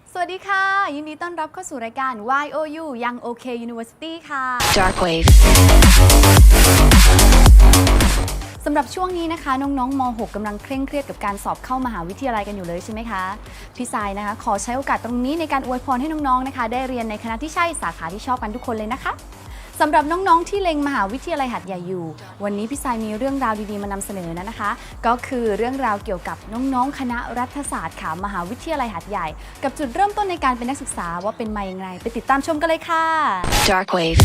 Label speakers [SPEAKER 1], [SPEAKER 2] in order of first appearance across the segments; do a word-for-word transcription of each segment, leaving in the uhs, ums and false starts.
[SPEAKER 1] สวัสดีค่ะยินดีต้อนรับเข้าสู่รายการ วาย โอ ยู Young OK University ค่ะ
[SPEAKER 2] Dark Wave
[SPEAKER 1] สำหรับช่วงนี้นะคะน้องๆม .หก กำลังเคร่งเครียดกับการสอบเข้ามหาวิทยาลัยกันอยู่เลยใช่ไหมคะพี่สายนะคะขอใช้โอกาสตรงนี้ในการอวยพรให้น้องๆนะคะได้เรียนในคณะที่ใช่สาขาที่ชอบกันทุกคนเลยนะคะสำหรับน้องๆที่เล็งมหาวิทยาลัยหัดใหญ่อยู่วันนี้พี่สายมีเรื่องราวดีๆมานำเสนอนะคะ ก็คือเรื่องราวเกี่ยวกับน้องๆคณะรัฐศาสตร์ค่ะมหาวิทยาลัยหัดใหญ่กับจุดเริ่มต้นในการเป็นนักศึกษาว่าเป็นมาอย่างไรไปติดตามชมกันเลยค่ะ
[SPEAKER 2] Dark Wave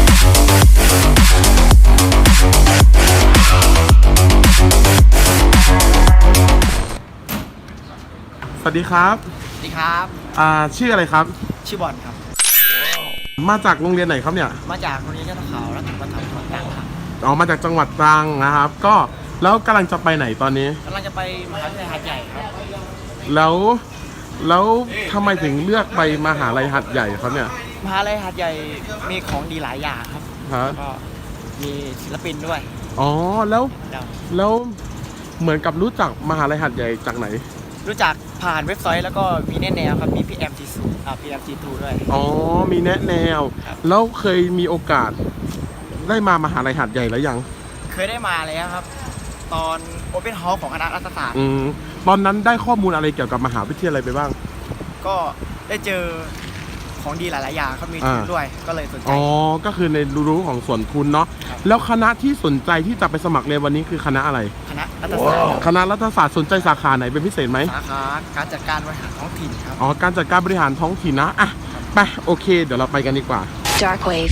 [SPEAKER 3] สวัสดีครับ
[SPEAKER 4] สวัสดีครับ
[SPEAKER 3] อ่าชื่ออะไรครับ
[SPEAKER 4] ชื่อบอลครับ
[SPEAKER 3] มาจากโรงเรียนไหนครับเนี่ย
[SPEAKER 4] มาจากโรงเรียนเจ้าตะขาวรัฐประถมจังหวัดตรังครับ
[SPEAKER 3] อ๋อมาจากจังหวัดตรังนะครับ ก็แล้วกำลังจะไปไหนตอนนี้
[SPEAKER 4] กำลังจะไปมหาวิทยาลัยหาดใหญ่ครับ
[SPEAKER 3] แล้วแล้วทำไมถึงเลือกไปมหาลัยหัดใหญ่ครับเนี่ย
[SPEAKER 4] มหาวิทยาลัยหาดใหญ่มีของดีหลายอย่างครับ
[SPEAKER 3] ฮะ
[SPEAKER 4] ก็มีศิลปินด้วย
[SPEAKER 3] อ๋อแล้ว
[SPEAKER 4] เดี๋ยว
[SPEAKER 3] แล้วเหมือนกับรู้จักมหาลัยหัดใหญ่จากไหน
[SPEAKER 4] รู้จักผ่านเว็บไซต์แล้วก็มีแนแนวครับมี พี เอ็ม จี ทู อ่า พี เอ็ม จี ทู ด้วย
[SPEAKER 3] อ๋อมีแนะแนว
[SPEAKER 4] ครับ
[SPEAKER 3] แล้วเคยมีโอกาสได้มามหาลัยหัดใหญ่แล้วยัง
[SPEAKER 4] เคยได้มาแล้วครับ ตอน Open Hall ของคณะรัฐศาสตร์
[SPEAKER 3] อืมตอนนั้นได้ข้อมูลอะไรเกี่ยวกับมหาวิทยาลัยไปบ้าง
[SPEAKER 4] ก็ได้เจอของดีหลาย ๆ อย่างเขามีทุน
[SPEAKER 3] อ่า
[SPEAKER 4] ด้วยก็เลยสนใจ
[SPEAKER 3] อ๋อก็คือในรู้ของส่วนทุนเนาะ
[SPEAKER 4] ครับ
[SPEAKER 3] แล้วคณะที่สนใจที่จะไปสมัครเรียนวันนี้คือคณะอะไร
[SPEAKER 4] คณะรัฐศาสตร์
[SPEAKER 3] คณะรัฐศาสตร์สนใจสาขาไหนเป็นพิเศษไหม
[SPEAKER 4] สาขาการจัดการบริหารท้องถิ่นครับ
[SPEAKER 3] อ๋อ การจัดการบริหารท้องถิ่นนะ อ่ะ ไป โอเค เดี๋ยวเราไปกันดีกว่า
[SPEAKER 2] Dark Wave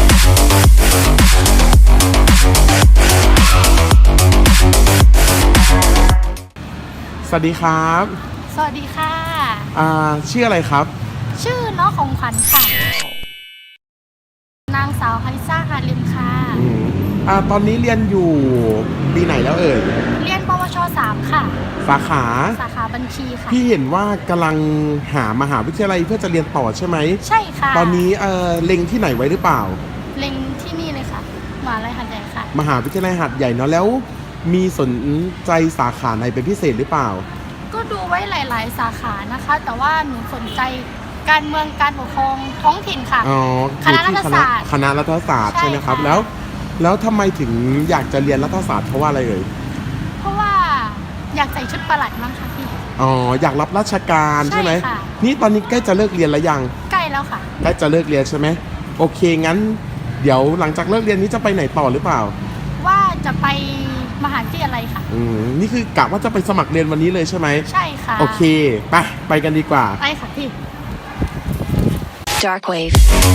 [SPEAKER 3] สวัสดีครับ
[SPEAKER 5] สวัสดีค่ะ
[SPEAKER 3] อ่า ชื่ออะไรครับ
[SPEAKER 5] ชื่อน้องของขวัญค่ะ นางสาวคาริซ่าฮาริมค่ะ
[SPEAKER 3] อืม อ่า ตอนนี้เรียนอยู่ปีไหนแล้วเอ่ย
[SPEAKER 5] เรียนปวชสามค่ะ
[SPEAKER 3] สาขา
[SPEAKER 5] สาขาบัญชีค่ะ
[SPEAKER 3] พี่เห็นว่ากำลังหามหาวิทยาลัยเพื่อจะเรียนต่อใช่ไหม
[SPEAKER 5] ใช่ค่ะ
[SPEAKER 3] ตอนนี้เอ่อเล็งที่ไหนไว้หรือเปล่า
[SPEAKER 5] เล็งที่นี่เลยค่ะมหาลัยหัดใหญ่ค่ะ
[SPEAKER 3] มหาวิทยาลัยหัดใหญ่เนาะ แล้วมีสนใจสาขาไหนเป็นพิเศษหรือเปล่า
[SPEAKER 5] ก็ดูไว้หลาย ๆ สาขานะคะ แต่ว่าหนูสนใจการเมืองการปกครองท้องถิ่นค่ะ
[SPEAKER 3] อ๋อ
[SPEAKER 5] คณะรัฐศาสตร์
[SPEAKER 3] คณะรัฐศาสตร์
[SPEAKER 5] ใช่
[SPEAKER 3] ใช่ไหมครับ
[SPEAKER 5] ค่ะ
[SPEAKER 3] แล้ว แล้วทำไมถึงอยากจะเรียนรัฐศาสตร์เพราะว่าอะไรเอ่ย
[SPEAKER 5] เพราะว่าอยากใส่ชุดประหลัดมั้งค่ะพี่
[SPEAKER 3] อ๋อ อยากรับราชการใช่ไหม
[SPEAKER 5] ใช่ค่ะ
[SPEAKER 3] นี่ตอนนี้ใกล้จะเลิกเรียนแล้วยัง
[SPEAKER 5] ใกล้แล้วค่ะ
[SPEAKER 3] ใกล้จะเลิกเรียนใช่ไหมโอเค งั้น เดี๋ยวหลังจากเลิกเรียนนี้จะไปไหนต่อหรือเปล่า
[SPEAKER 5] ว่าจะไปมหาวิทยาลัยค่ะ
[SPEAKER 3] อืม นี่คือกะว่าจะไปสมัครเรียนวันนี้เลยใช่ไหม
[SPEAKER 5] ใช่ค่ะ
[SPEAKER 3] โอเค ไป ไปกันดีกว่า
[SPEAKER 5] ไปค่ะพี่
[SPEAKER 2] Dark Wave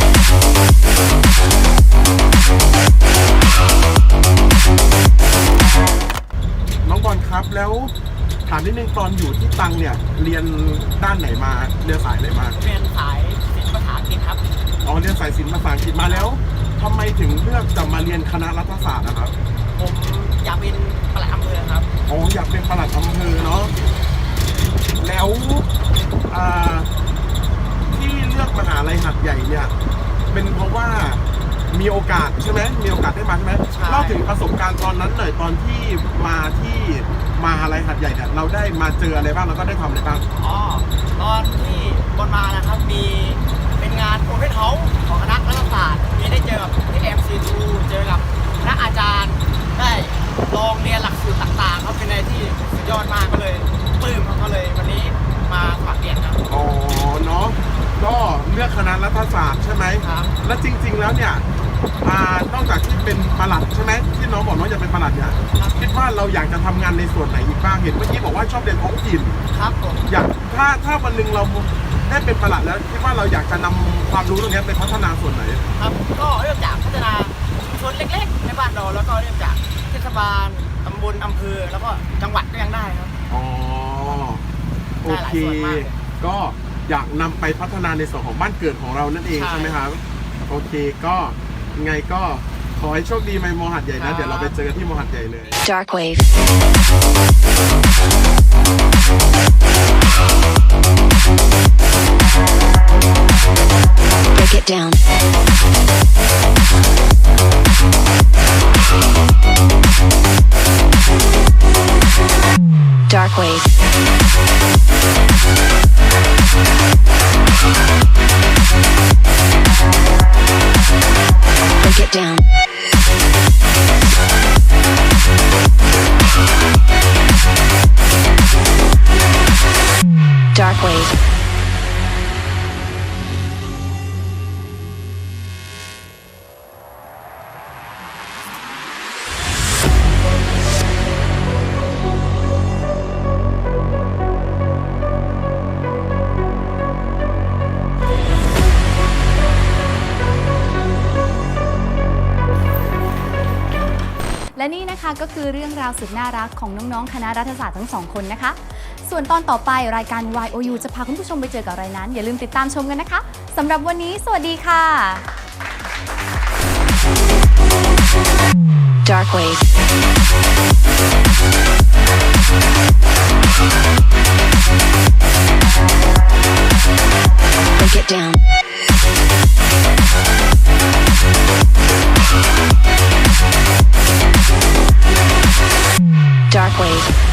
[SPEAKER 3] น้องบอลครับ แล้วถามนิดนึงตอนอยู่ที่ตังเนี่ย เรียนด้านไหนมา เรียนสายไหนมา
[SPEAKER 4] เรียนสายศิลปภาษาอังกฤษครับ
[SPEAKER 3] อ๋อ เรียนสายศิลป์ภาษาอังกฤษมาแล้วทำไมถึงเลือกจะมาเรียนคณะรัฐศาสตร์นะครับ
[SPEAKER 4] ผมอยากเป็นปลัดอำเภอครับ
[SPEAKER 3] อ๋อ อยากเป็นปลัดอำเภอเนาะ แล้วอ่าที่เลือกมหาลัยหัดใหญ่เนี่ย เป็นเพราะว่ามีโอกาสใช่ไหมมีโอกาสได้มาใช่ไหม
[SPEAKER 4] ใช่
[SPEAKER 3] เล่าถึงประสบการณ์ตอนนั้นหน่อยตอนที่มาที่มหาลัยหัดใหญ่เนี่ยเราได้มาเจออะไรบ้างแล้วก็ได้ทำอะไรบ้าง
[SPEAKER 4] อ๋อ ตอนที่บนมานะครับมีเป็นงานโอเพนเฮาส์ของคณะรัฐศาสตร์ มีได้เจอกับ พี เอ็ม ซี ทู เจอกับคณะอาจารย์ ได้ลองเรียนหลักสูตรต่างๆครับเป็นอะไรที่สุดยอดมากก็เลยปลื้มครับก็เลยวันนี้มาสมัครเรียนครับ
[SPEAKER 3] อ๋อเนาะก็เลือกคณะรัฐศาสตร์ใช่ไหม
[SPEAKER 4] ครับ
[SPEAKER 3] และจริง ๆแล้วเนี่ยอ่านอกจากที่เป็นปลัดใช่ไหมที่น้องบอกน้องจะเป็นปลัดเนี่ยคิดว่าเราอยากจะทำงานในส่วนไหนอีกบ้างเห็นเมื่อกี้บอกว่าชอบเรียนท้องถิ่น
[SPEAKER 4] ครับผม
[SPEAKER 3] อยากถ้าถ้าวันหนึ่งเราได้เป็นปลัดแล้วคิดว่าเราอยากจะนำความรู้ตรงนี้ไปพัฒนาส่วนไหน
[SPEAKER 4] ครับก็เริ่มจากพัฒนาชุมชนเล็กๆในบ้านเราแล้วก็เริ่มจากเทศบาลตำบลอำเภอแล้วก็จังหวัดก็ยังได้ครับ
[SPEAKER 3] อ๋อโอเค
[SPEAKER 4] ได้หลายส่วนมาก
[SPEAKER 3] ก็อยากนำไปพัฒนาในส่วนของบ้านเกิดของเรานั่นเอง
[SPEAKER 4] ใช่
[SPEAKER 3] ใช่ไหมครับโอเคก็ไงก็ขอให้โชคดีในมหัดใหญ่
[SPEAKER 4] ครั
[SPEAKER 3] นะ
[SPEAKER 4] บ
[SPEAKER 3] เดี๋ยวเราไปเจอกันที่มหัดใหญ่เลย
[SPEAKER 2] Dark Wave Break it down Dark Wave break it down. Dark wave.
[SPEAKER 1] และนี่นะคะก็คือเรื่องราวสุดน่ารักของน้องๆคณะรัฐศาสตร์ทั้งสองคนนะคะ ส่วนตอนต่อไปรายการ วาย โอ ยู จะพาคุณผู้ชมไปเจอกับอะไรนั้น อย่าลืมติดตามชมกันนะคะสำหรับวันนี้สวัสดีค่ะ
[SPEAKER 2] Dark wave. Break it down. Dark wave.